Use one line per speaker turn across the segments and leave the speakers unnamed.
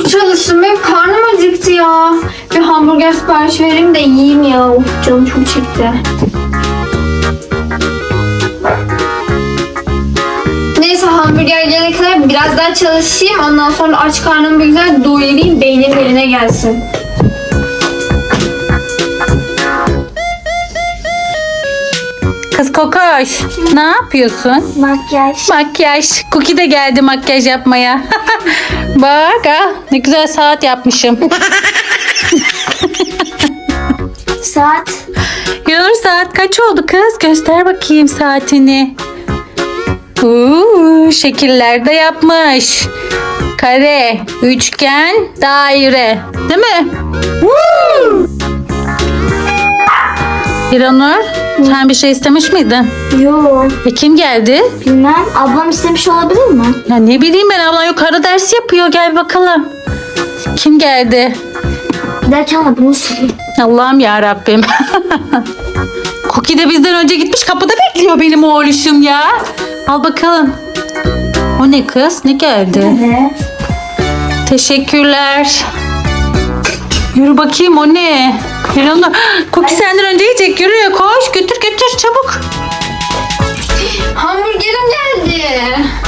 çok çalıştım. Benim karnım acıktı ya. Bir hamburger sipariş vereyim de yiyeyim ya. Of, canım çok çekti. Neyse hamburger gelene kadar biraz daha çalışayım. Ondan sonra aç karnımı bir güzel doyurayım. Beynim yerine gelsin.
Kız Kokoş, ne yapıyorsun?
Makyaj.
Makyaj. Cookie de geldi makyaj yapmaya. Bak ne güzel saat yapmışım.
Saat.
Yanur saat kaç oldu kız? Göster bakayım saatini. Şekiller de yapmış. Kare, üçgen, daire. Değil mi? Yanur, sen bir şey istemiş miydin?
Yok.
Kim geldi?
Bilmem. Ablam istemiş olabilir mi?
Ya ne bileyim ben, ablan yukarıda ders yapıyor. Gel bakalım. Kim geldi?
Derken bunu söyleyeyim.
Allah'ım ya Rabbim. Cookie de bizden önce gitmiş, kapıda bekliyor benim oğluşum ya. Al bakalım. O ne kız? Ne geldi?
Ne?
Teşekkürler. Yürü bakayım, o ne? Yürü onu. Cookie senden önce yiyecek. Yürü koş, götür çabuk.
Hamburgerim geldi.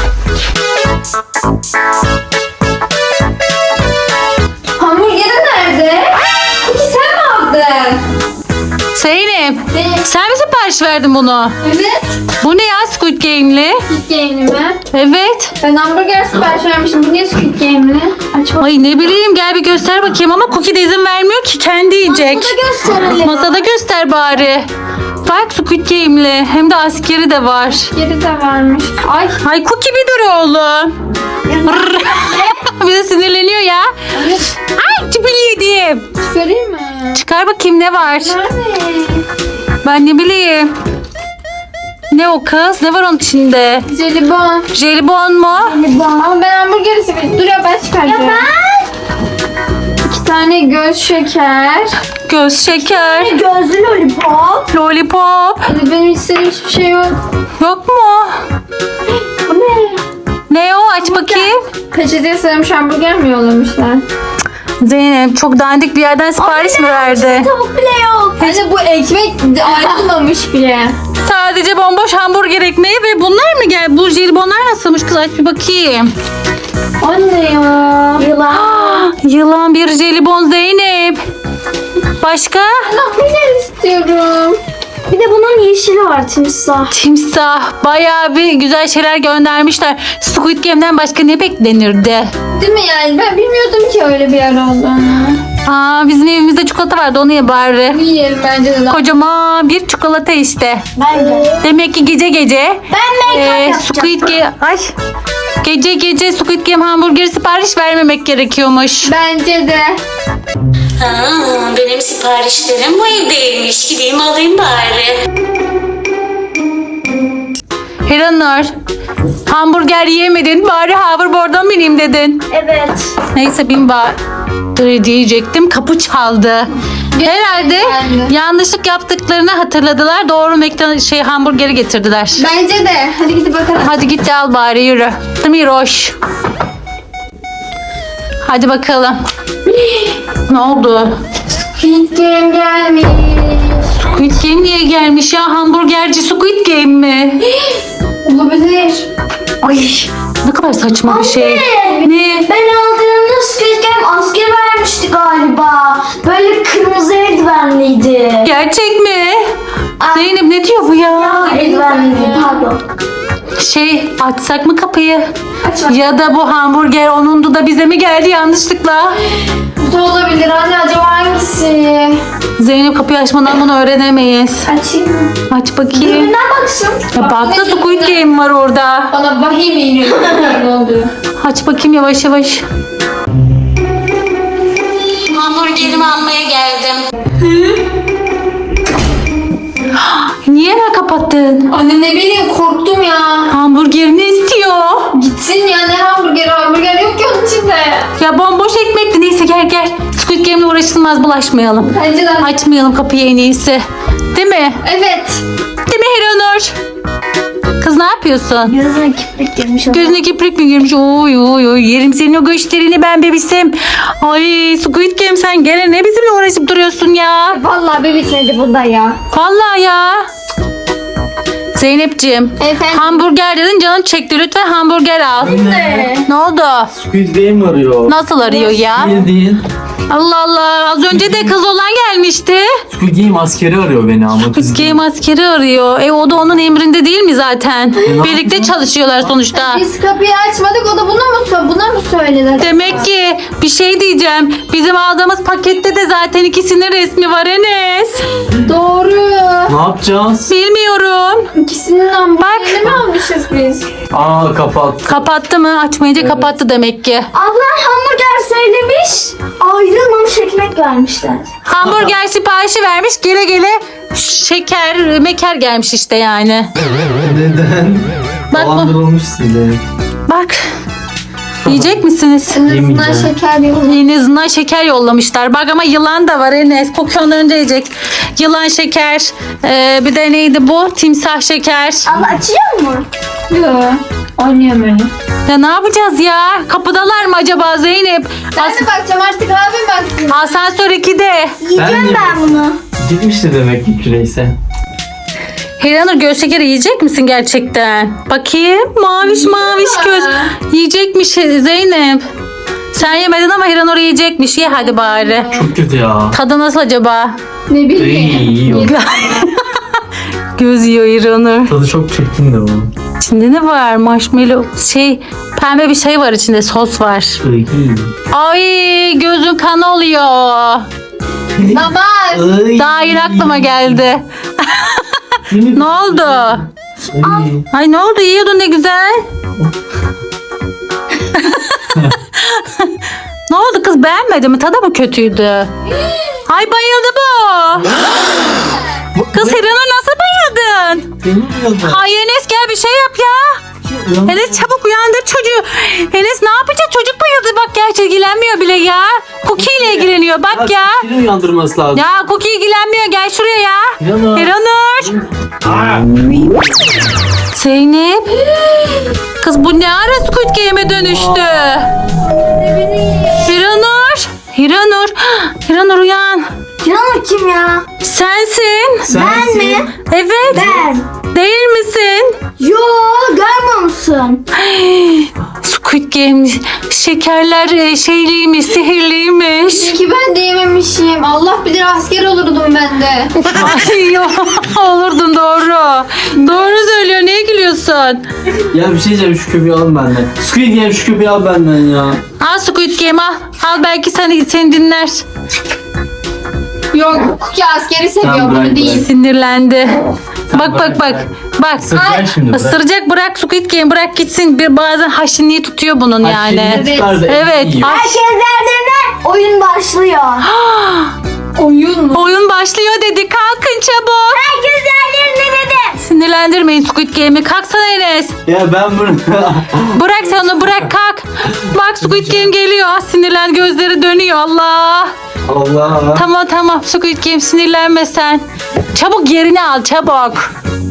Hamburgerim nerede? Peki sen mi aldın?
Zeynep,
Evet.
sen mi sipariş verdin bunu?
Evet.
Bu ne ya, Squid Game'li?
Squid Game'li mi?
Evet.
Ben hamburger sipariş vermişim. Bu niye Squid Game'li? Aç bak.
Ay ne bileyim, gel bir göster bakayım, ama Cookie de izin vermiyor ki, kendi yiyecek.
Masada gösterelim.
Masada göster bari. Bak Squid Game'li, hem de askeri de var.
Geri de varmış. Ay.
Ay Cookie bir dur oğlum. Brrr. Bir de sinirleniyor ya.
Evet.
Ay çipili yedim.
Çıkarayım mı?
Çıkar bakayım ne var.
Nerede?
Ben ne bileyim. Ne o kız? Ne var onun içinde?
Jelibon.
Jelibon mu?
Ama ben hamburgeri seviyorum. Dur ya ben çıkaracağım. Ya ben. 2 tane göz şeker.
Göz şeker.
Gözlü lollipop.
Lollipop.
Benim istediğim hiçbir şey yok.
Yok mu?
Bu ne?
Ne o? Aç bakayım.
Peçeteye sarılmış hamburger mi yollamışlar?
Zeynep çok dandik bir yerden sipariş mi verdi?
Tavuk bile yok. Hani bu ekmek ayrılmamış bile.
Sadece bomboş hamburger ekmeği ve bunlar mı gel? Bu jelibonlar nasılmış kız? Aç bir bakayım.
Anne ya. Yılan.
Yılan bir jelibon Zeynep. Başka?
Hamburger istiyorum. Bir de bunun yeşili var, timsah.
Timsah. Bayağı bir güzel şeyler göndermişler. Squid Game'den başka ne beklenirdi?
Değil mi yani? Ben bilmiyordum ki öyle bir yer olduğunu.
Bizim evimizde çikolata vardı, onu ye bari.
Yiyelim bence de.
Kocaman bir çikolata işte.
Bence.
Demek ki gece
Ben make-up yapacağım.
Squid Game... Ay. Gece Squid Game hamburgeri sipariş vermemek gerekiyormuş.
Bence de.
Benim siparişlerim bu evdeymiş. Gideyim alayım bari. Hiranur, hamburger yiyemedin, bari hoverboard'dan bineyim dedin.
Evet.
Neyse bin bari diyecektim, kapı çaldı. Herhalde
geldi.
yanlışlık yaptıklarını hatırladılar. Doğru hamburgeri getirdiler.
Bence de. Hadi gidip bakalım.
Hadi git de al bari, yürü. Değil mi Roş? Hadi bakalım. Ne oldu?
Squid Game gelmiş.
Squid Game niye gelmiş ya? Hamburgerci Squid Game mi?
Olabilir.
Ay ne kadar saçma bir şey. Ne?
Ben aldığımda Squid Game asker vermişti galiba. Böyle kırmızı eldivenliydi.
Gerçek mi? Zeynep ne diyor bu ya?
Eldivenliydi pardon.
Açsak mı kapıyı?
Aç.
Ya da bu hamburger onundu da bize mi geldi yanlışlıkla?
Bu da olabilir anne, acaba hangisi?
Zeynep kapıyı açmadan bunu öğrenemeyiz.
Açayım mı?
Aç bakayım.
Dürbünden baksın.
Ya bak da Squid Game var orada.
Bana vahiy mi iniyor? Ne oluyor?
Aç bakayım yavaş yavaş. Hamburgerimi almaya geldim. Niye hemen kapattın?
Anne ne bileyim, korktum ya.
Hamburgerini istiyor.
Gitsin ya, ne hamburger yok ki onun içinde.
Ya bomboş ekmekti. Neyse gel. Squid Game'le uğraşılmaz, bulaşmayalım.
Bence de.
Açmayalım kapıyı en iyisi. Değil mi?
Evet.
Değil mi Hiranur? Kız ne yapıyorsun?
Gözüne kiprik girmiş.
Gözüne kiprik mi girmiş? Oy oy oy. Yerim senin o göçlerini ben bebişim. Ay Squid Game sen gene ne bizimle uğraşıp duruyorsun ya?
Vallahi bebişmedi bunda ya.
Vallahi ya. Zeynepciğim.
Efendim?
Hamburger dedin canım çekti. Lütfen hamburger al. Ne oldu?
Squid Game arıyor.
Nasıl arıyor ya?
Bildiğin.
Allah Allah. Az önce de kız olan gelmişti.
Squid Game askeri arıyor beni ama.
Squid Game askeri arıyor. O da onun emrinde değil mi zaten? Birlikte çalışıyorlar sonuçta.
Biz kapıyı açmadık, o da buna mı söyledi?
Demek ki bir şey diyeceğim. Bizim aldığımız pakette de zaten ikisinin resmi var Enes.
Doğru.
Ne yapacağız?
Bilmiyorum.
İkisinin hamburgerini mi almışız biz?
Aa kapat.
Kapattı mı? Açmayınca kapattı demek ki.
Abla hamburger söylemiş. Ayrılmamış ekmek vermişler.
Hamburger siparişi vermiş. Gele gele şeker, meker gelmiş işte yani.
Neden?
Bak bu.
Dolandırılmış size.
Bak. Yiyecek misiniz?
En azından
Yemeyeceğim.
şeker yok.
En azından şeker yollamışlar. Bak ama yılan da var Enes. Koku ondan önce yiyecek. Yılan şeker. Bir de neydi bu? Timsah şeker.
Abla açıyor mu? Yok. Oynuyorum öyle.
Ya ne yapacağız ya? Kapıdalar mı acaba Zeynep?
Ben de bakacağım artık, abim baksın.
Asansör 2'de.
Yiyeceğim ben bunu.
Gitmişti demek ki küreyse.
Hiranur göz şekeri yiyecek misin gerçekten? Bakayım. Maviş maviş göz. Yiyecekmiş Zeynep. Sen yemedin ama Hiranur yiyecekmiş. Ye hadi bari.
Çok kötü ya.
Tadı nasıl acaba?
Ne
İyi
bileyim.
yiyor.
Göz yiyor Hiranur.
Tadı çok çirkin de bu.
İçinde ne var? Marshmallow pembe bir şey var içinde, sos var.
İyi.
Ay gözün kan oluyor.
Namaz.
Ay.
Daha yeni aklıma geldi. Ne oldu?
Ay.
Ay ne oldu? Yiyordun ne güzel. Ne oldu kız, beğenmedi mi? Tadı mı kötüydü? Ay bayıldı bu. Kız Hiranur nasıl bayıldın?
Benim yazdı.
Ay Enes gel bir şey yap ya. Enes çabuk uyandır çocuğu. Enes ne yapacak? Çocuk bayıldı bak, gerçi ilgilenmiyor bile ya. Cookie ile ilgileniyor bak ya.
Seni uyandırması lazım.
Ya Cookie ilgilenmiyor, gel şuraya ya.
Hiranur.
Hiranur.
Aa.
Zeynep. Kız bu ne ara Squid Game'e dönüştü? Hiranur. Hiranur. Hiranur uyan.
Yanır kim ya?
Sensin.
Sensin.
mi?
Evet.
Ben.
Değil misin?
Yo, görmüyor musun?
Squid Game şekerler şeyliymiş, sihirliymiş.
Ki ben de yememişim. Allah bilir asker olurdum ben de.
Ay yo, olurdun doğru. Doğru söylüyor. Niye gülüyorsun?
Ya bir şey diyeceğim, şu köpeği al benden. Squid Game şu köpeği al benden ya.
Al Squid Game al. Al belki seni dinler.
Yok, Cookie askeri seviyor,
Tamam,
bunu
bırak,
değil.
Sinirlendi.
Tamam,
Bak bak bak. Bak.
Isıracak şimdi, bırak.
Isıracak, bırak Squid Game, bırak gitsin. Bir bazen haşinliği tutuyor bunun yani.
Şimdi tutar da
Evet.
yiyor.
Ay,
Herkes yerlerine, oyun başlıyor. Oyun mu?
oyun başlıyor dedi. Kalkın çabuk.
Herkes yerlerine dedim.
Sinirlendirmeyin Squid Game'i. Kalksana Enes.
Ya ben bunu...
Bırak sen onu, bırak kalk. Bak Squid Game geliyor. Sinirlen, gözleri dönüyor. Allah.
Allah.
Tamam tamam Squid Game, sinirlenme sen. Çabuk yerini al çabuk.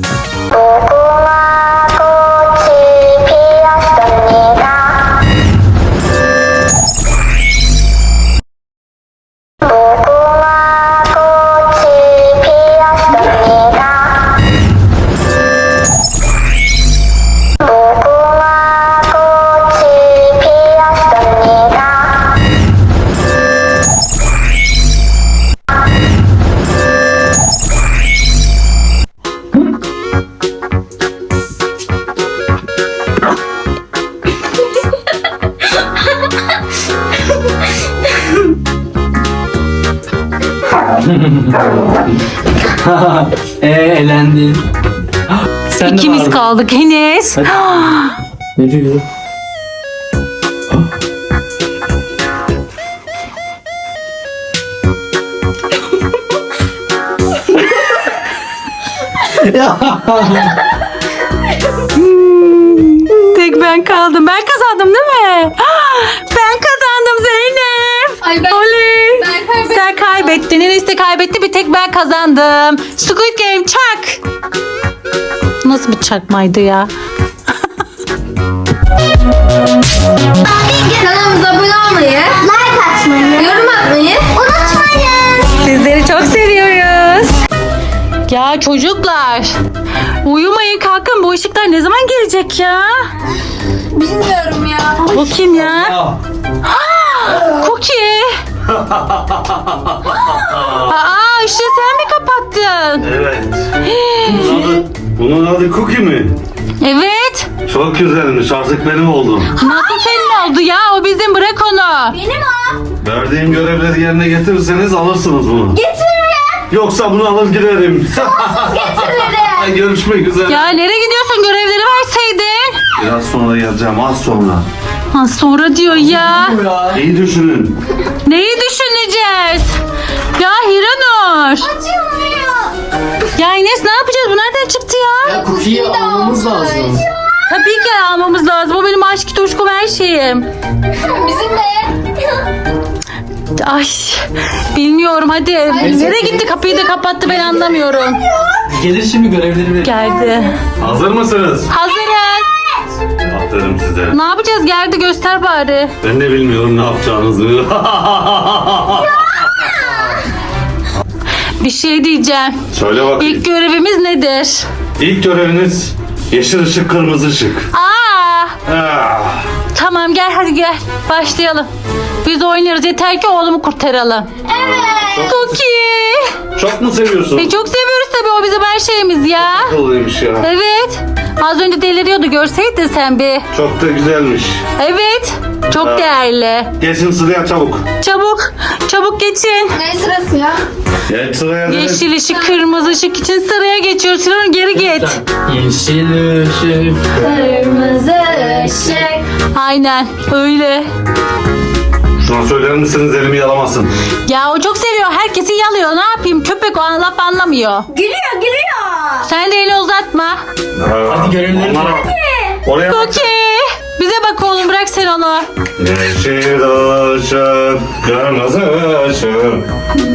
Elendin. Sen de
İkimiz
vardın.
kaldık Enes.
Ne diyor?
Tek ben kaldım. Ben kazandım değil mi? Ben kazandım Zeynep.
Ay ben,
Oley.
ben kaybettim.
Sen kaybettin. Enes de kaybetti. Bir tek ben kazandım. Squid Game çak. Nasıl bir çakmaydı ya?
Kanalımıza abone olmayı, like atmayı, yorum atmayı unutmayın.
Sizleri çok seviyoruz. Ya çocuklar. Uyumayın kalkın. Bu ışıklar ne zaman gelecek ya?
Bilmiyorum ya.
Bu kim ya?
Ya.
Cookie. Aa ışığı sen mi kapattın?
Evet. Bunun adı Cookie mi?
Evet.
Çok güzelmiş. Artık benim oldum.
Nasıl senin oldu ya? O bizim, bırak onu.
Benim o.
Verdiğim görevleri yerine getirirseniz alırsınız bunu.
Getiririm.
Yoksa bunu alır giderim.
Getiririm.
Görüşmek üzere.
Ya nereye gidiyorsun? Görevleri verseydin.
Biraz sonra geleceğim. Az sonra.
Ha, sonra diyor ya.
Bu ya.
İyi düşünün.
Neyi düşüneceğiz? Ya Hiranur.
Açılmıyor.
Ya Enes ne yapacağız? Bu nereden çıktı ya?
Ya cookie'yi almamız lazım.
Tabii ki almamız lazım. O benim aşk tutuşkum her şeyim.
Bizim de.
Ay bilmiyorum hadi. Nereye gitti? Kapıyı da kapattı, ben anlamıyorum.
Gelir şimdi görevleri verir.
Geldi.
Hazır mısınız?
Hazırız.
Aferin size.
Ne yapacağız? Geldi, göster bari.
Ben de bilmiyorum ne yapacağınızı.
Bir şey diyeceğim.
Söyle bakayım.
İlk görevimiz nedir?
İlk göreviniz yeşil ışık, kırmızı ışık.
Aa,
Ah.
tamam gel hadi gel. Başlayalım. Biz oynarız, yeter ki oğlumu kurtaralım. Cookie.
Çok mu seviyorsun?
Çok seviyoruz tabii, o bizim her şeyimiz ya.
Doluymuş ya.
Evet. Az önce deliriyordu, görseydin sen bir.
Çok da güzelmiş.
Evet. Çok
Ha.
değerli.
Geçin sıraya çabuk.
Çabuk. Çabuk geçin.
Ne sırası ya?
Geç sıraya dedim.
Yeşil ışık, kırmızı ışık için sıraya geçiyoruz. Sinan geri git.
Yeşil ışık.
Kırmızı ışık.
Aynen öyle.
Şuna söyler misiniz elimi yalamasın.
Ya o çok seviyor. Herkesi yalıyor. Ne yapayım? Köpek o laf anlamıyor.
Gülüyor gülüyor.
Sen de eli uzatma.
Hadi görevleri
Onlara-
ver.
Oraya bak.
Cookie. Bize bak oğlum, bırak sen onu.
Yeşil ışık, kırmızı ışık.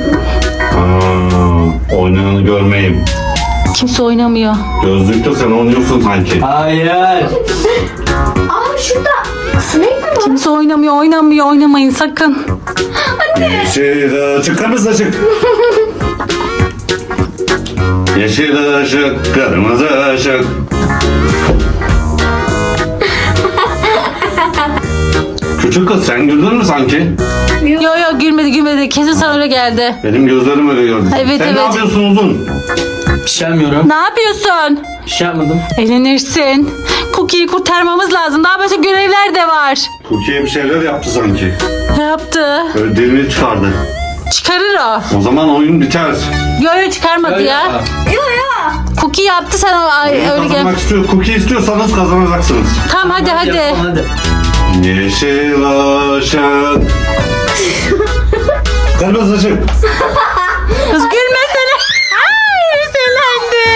Oynayanı görmeyeyim.
Kimse oynamıyor.
Gözlükte sen oynuyorsun sanki.
Hayır.
Aa şurada sinek mi var?
Kimse oynamıyor. Oynamayın sakın.
Yeşil ışık, kırmızı ışık. Yeşil ışık, kırmızı ışık. Küçük kız sen güldün mü sanki?
Yo gülmedi. Kesin sana öyle geldi.
Benim gözlerim öyle gördü.
Evet,
sen
evet.
ne yapıyorsun uzun?
Bir şey yapmıyorum.
Ne yapıyorsun?
Bir şey yapmadım.
Eğlenirsin. Cookie'yi kurtarmamız lazım. Daha başka görevler de var.
Türkiye bir şeyler yaptı sanki.
Ne yaptı?
Böyle dilini çıkardı.
Çıkarır o.
O zaman oyun biter.
Yo çıkarmadı ya. Cookie yaptı, sen öyle gel.
Kazanmak istiyor. Cookie istiyorsanız kazanacaksınız.
Tamam hadi.
Yapalım, hadi.
Yeşil ışık. Kırmızı ışık.
Kız gülmesene. Ay eğlendi.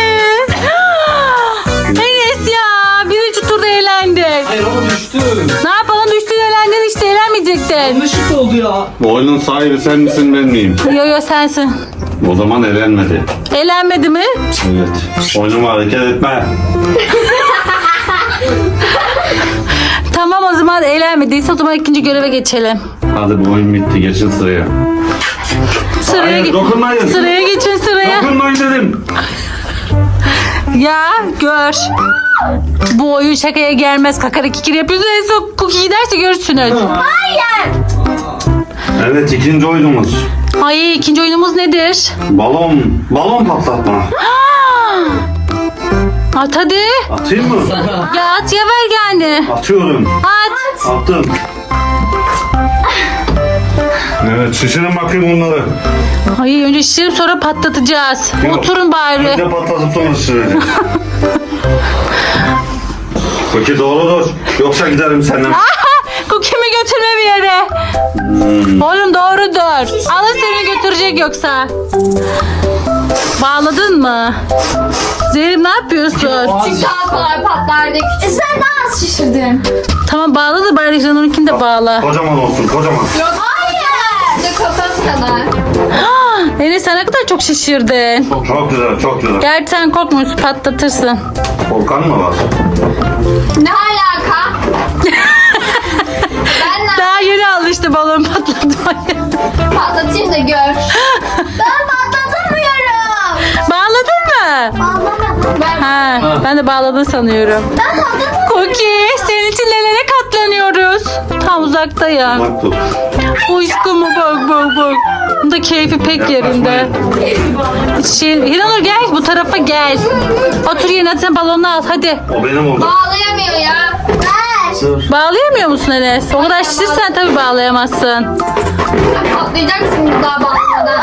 Enes ya. Birinci turda eğlendik.
Hayır ama düştü.
Ne yapalım, düştün eğlendin işte, eğlenmeyecektin.
Yanlışlık oldu ya.
Bu oyunun sahibi sen misin ben miyim?
Yo sensin.
O zaman elenmedi.
Eğlenmedi mi?
Evet. Oyunuma hareket etme.
Tamam o zaman, eğlenmediyse o zaman ikinci göreve geçelim.
Hadi bu oyun bitti. Geçin sıraya.
Sıraya
Hayır, dokunmayın.
Sıraya geçin sıraya.
Dokunmayın dedim.
Ya gör. Bu oyun şakaya gelmez. Kakara kikir yapıyorsun. En son Cookie giderse görürsünüz.
Evet, ikinci oyunumuz.
Ay ikinci oyunumuz nedir?
Balon patlatma.
At hadi.
Atayım mı?
Ya at ya, ver yani.
Atıyorum.
At.
Attım. Evet, şişirin bakayım bunları.
Ay önce şişirip sonra patlatacağız.
Yok.
Oturun bari.
Önce patlatıp sonra şişireceğim. Peki doğrudur. Yoksa giderim senden.
Cookie'mi götürme bir yere. Oğlum doğrudur. Alın seni götürecek yoksa. Bağladın mı? Zeynep ne yapıyorsun?
Çünkü daha kolay patlardı. Sen daha az şişirdin.
Tamam bağla da bari Hiranur'unkini de bağla.
Kocaman olsun, kocaman.
Yok hayır. Bence kafam kadar.
Enes sen ne kadar çok şişirdin.
Çok güzel, çok güzel.
Gerçi sen korkmuyorsun, patlatırsın.
Volkan mı var?
Ne alaka? Ben ne
Daha yeni alıştı balon patlatmaya.
patlatayım da gör. Ben patlatamıyorum.
Bağladın mı?
Bağlamadım. Ben
Ben de bağladın sanıyorum. Cookie senin için nelere katlanıyoruz. Tam uzaktayım.
Bak tut.
Aşkım bak. Bunun da keyfi pek yerinde. Hiranur gel bu tarafa gel. Otur yerine hadi sen balonu al hadi.
O benim oldu.
bağlayamıyor ya. Ver.
Bağlayamıyor musun Enes? O kadar şişirsen tabii bağlayamazsın.
Patlayacaksın daha bağlamadan.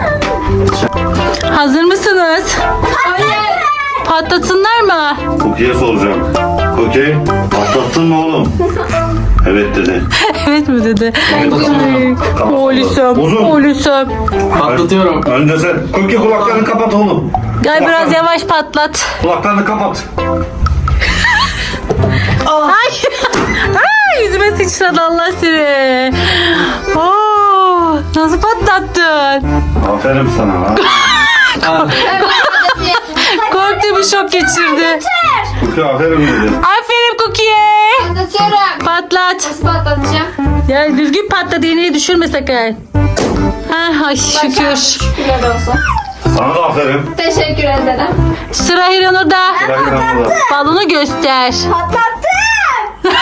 Hazır mısınız?
Hayır.
Patlatsınlar mı?
Cookie'ye soracağım. Cookie, patlattın mı oğlum? Evet dedi.
Evet mi dedi?
Tamam.
Oğlum.
Uzun.
Oğlum.
Patlatıyorum.
Önce sen. Cookie kulaklarını kapat oğlum.
Gel biraz yavaş patlat.
Kulaklarını kapat.
Ay. Ay yüzüme sıçradı Allah seni. Oo, nasıl patlattın?
Aferin sana ha.
Korktu bir şok geçirdi.
Cookie aferin dedi.
Aferin Cookie'ye.
Patlatıyorum.
Patlat.
Nasıl patlatacağım?
Ya düzgün patlat, iğneyi düşürme sakın. Ha, ay şükür.
Şükürler olsun.
Sana da aferin.
Teşekkür ederim.
Sıra Hiranur'da.
Bırak burada.
Balonu göster.
Patlattım.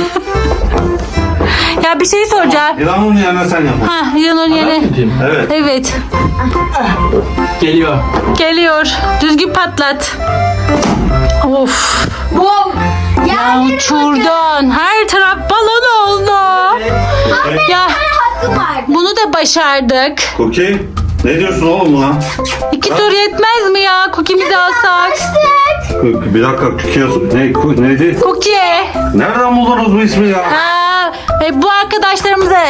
Ya bir şey soracağım.
İlanın yerine sen yap.
Ha, Hiranur yeni.
Evet.
Evet.
Geliyor.
Geliyor. Düzgün patlat. Of.
Bum.
Ya uçurdun. Her taraf balon oldu. Ya
Hakkım var.
bunu da başardık.
Cookie, ne diyorsun oğlum buna?
2 tur yetmez mi ya? Cookie'mizi alsak.
Bir dakika, Cookie neydi?
Cookie.
Nereden buldunuz bu ismi ya?
Ha, bu arkadaşlarımıza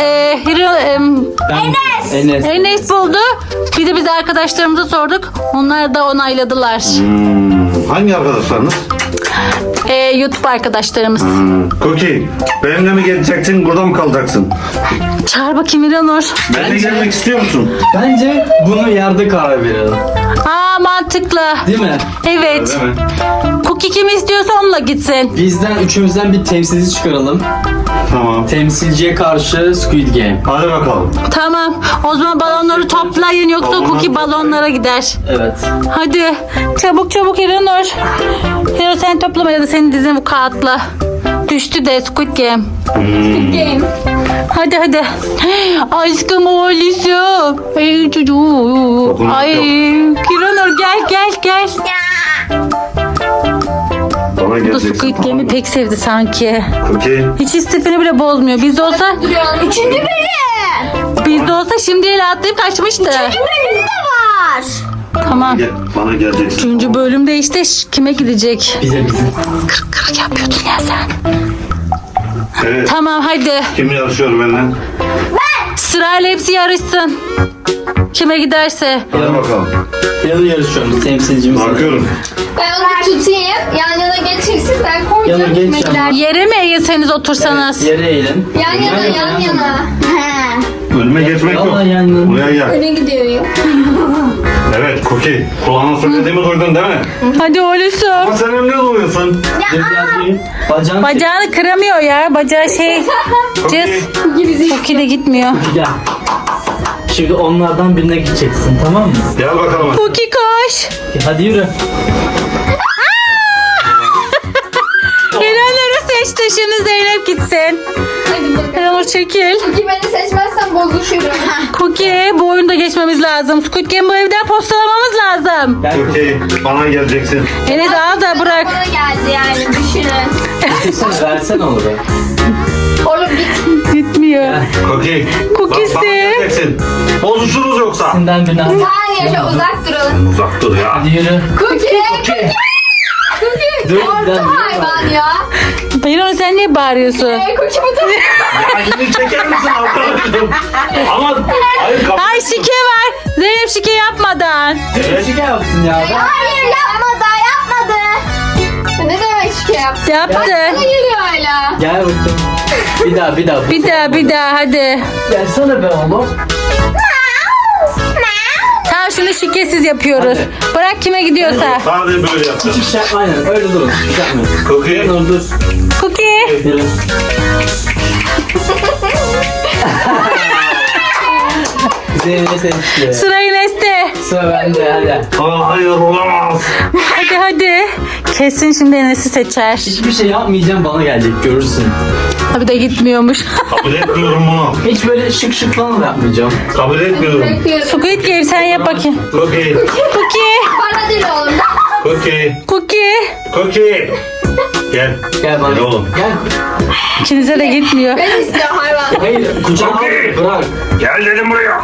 Enes buldu. Bir de biz arkadaşlarımıza sorduk. Onlar da onayladılar.
Hangi arkadaşlarınız?
YouTube arkadaşlarımız.
Cookie, benimle mi geleceksin, burada mı kalacaksın?
Çağır bakayım İranur.
Benimle gelmek istiyor musun?
Bence bunu yerde karar verelim.
Aa, mantıklı.
Değil mi?
Evet.
Öyle mi?
Cookie kim istiyorsa onunla gitsin.
Bizden üçümüzden bir temsilci çıkaralım.
Tamam.
Temsilciye karşı Squid Game.
Hadi bakalım.
Tamam. O zaman balonları toplayın yoksa
Balonlar
Cookie
toplayın.
balonlara gider.
Evet.
Hadi. Çabuk İranur. Hiranur sen toplama ya da senin dizin bu kağıtla. Düştü de Squid Game.
Game.
Hadi. Aşkım oğlum. Ay çocuğum.
Dokunmak
Ay
yok.
Hiranur gel.
Bana
Bu da
geleceksin.
Squid Game'i pek sevdi sanki.
Cookie,
Hiç istifini bile bozmuyor. Bizde olsa
Üçüncü bölüm.
bizde olsa şimdi el atlayıp kaçmıştı.
Bölümü de var.
Tamam.
gel, bana geleceksin.
3. bölümde işte kime gidecek?
Bize.
Kırk yapıyordun ya sen.
Evet.
Tamam hadi.
Kim yarışıyor benimle?
Sırayla hepsi yarışsın. Kime giderse.
Hadi bakalım.
Yanı yarışıyoruz temsilcimiz.
Bakıyorum.
Ben onu tutayım. Yan yana geçirsin. Ben
Yana
koyacağım
geç
yemekler.
Yere mi eğilseniz otursanız?
Yere eğilin.
Yan yana.
Önüme geçmek yok.
Vallahi yani.
Buraya gel.
Öne gidiyor.
Evet Cookie. Kulağına söylediğimi duydun değil mi?
Hadi
Ama
oğlum.
sen emniyet oluyorsun.
Bacağını
Bacağını kıramıyor ya. Bacağı şey. Cız. Cookie de gitmiyor.
Gel. Şimdi onlardan birine gideceksin, tamam mı?
Gel bakalım.
Cookie koş.
Hadi yürü.
Hiranur'u seçti. Şimdi Zeynep gitsin.
Hadi bakalım.
Hiranur çekil.
Çünkü beni seçmezsen bozuşurum.
Cookie bu oyunda geçmemiz lazım. Squid Game bu evden postalamamız lazım.
Gel.
Cookie, bana geleceksin.
Enes al da bırak.
Bana geldi yani düşünün.
Sen versen onu be.
Oğlum git.
Gitmiyor.
Cookie.
Cookie'si.
Bana geleceksin. Bozuşuruz yoksa.
Senden birine al.
Hayır uzak duralım.
Uzak dur ya.
Hadi yürü.
Cookie.
Dur,
Cookie. Korktu
ben-
hayvan ya.
Hiranur sen niye bağırıyorsun?
Cookie bu da.
Ya elini çeker misin arkadaşım? Ama hayır kapı.
Ay şike var. Zeynep şike yapmadan.
Şike yapsın ya.
Hayır yapmadı. Ne demek ki? yaptı.
Yaptı.
Bana geliyor hala.
Gel bakayım. Bir daha.
Bir daha hadi.
Gelsene be oğlum.
Tamam şunu şikesiz yapıyoruz. Bırak kime gidiyorsa.
Sadece böyle yapacağım.
Hiçbir şey yapma aynen. Öyle durun. Hiçbir şey yapmayın.
Cookie.
Dur.
Cookie.
Yürü. Zeynep seçti.
Sıra Enes'te.
Sıra bende hadi.
Hayır olamaz.
Hadi. Kesin şimdi Enes'i seçer.
Hiçbir şey yapmayacağım bana gelecek görürsün.
Tabii de gitmiyormuş.
Kabul etmiyorum bunu.
Hiç böyle şık falan da yapmayacağım.
Kabul etmiyorum.
Bırakıyorum.
Squid Game sen yap bakayım.
Cookie.
Cookie.
Bana değil oğlum.
Cookie.
Cookie.
Cookie. Gel.
Gel bana.
Gel oğlum.
Gel.
İkinize de gitmiyor.
Ben istiyorum hayvan.
Hayır kucağına al,
Cookie.
bırak.
Gel dedim buraya.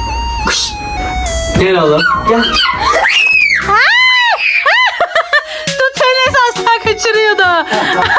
Gel oğlum. Gel.
Tut Enes asla kaçırıyordu.